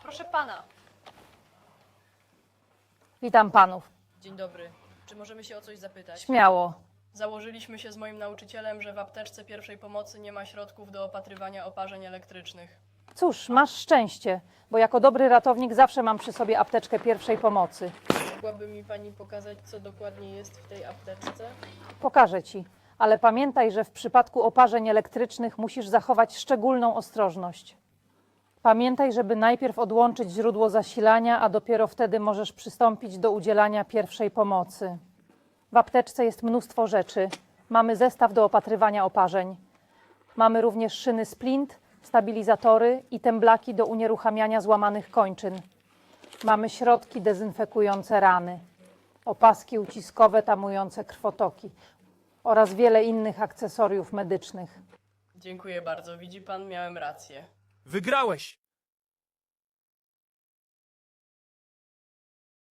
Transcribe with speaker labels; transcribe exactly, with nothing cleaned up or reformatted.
Speaker 1: Proszę pana.
Speaker 2: Witam panów.
Speaker 3: Dzień dobry. Czy możemy się o coś zapytać?
Speaker 2: Śmiało.
Speaker 3: Założyliśmy się z moim nauczycielem, że w apteczce pierwszej pomocy nie ma środków do opatrywania oparzeń elektrycznych.
Speaker 2: Cóż, masz szczęście, bo jako dobry ratownik zawsze mam przy sobie apteczkę pierwszej pomocy.
Speaker 3: Mogłaby mi pani pokazać, co dokładnie jest w tej apteczce?
Speaker 2: Pokażę ci, ale pamiętaj, że w przypadku oparzeń elektrycznych musisz zachować szczególną ostrożność. Pamiętaj, żeby najpierw odłączyć źródło zasilania, a dopiero wtedy możesz przystąpić do udzielania pierwszej pomocy. W apteczce jest mnóstwo rzeczy. Mamy zestaw do opatrywania oparzeń. Mamy również szyny splint, stabilizatory i temblaki do unieruchamiania złamanych kończyn. Mamy środki dezynfekujące rany, opaski uciskowe tamujące krwotoki oraz wiele innych akcesoriów medycznych.
Speaker 3: Dziękuję bardzo. Widzi pan, miałem rację.
Speaker 4: Wygrałeś!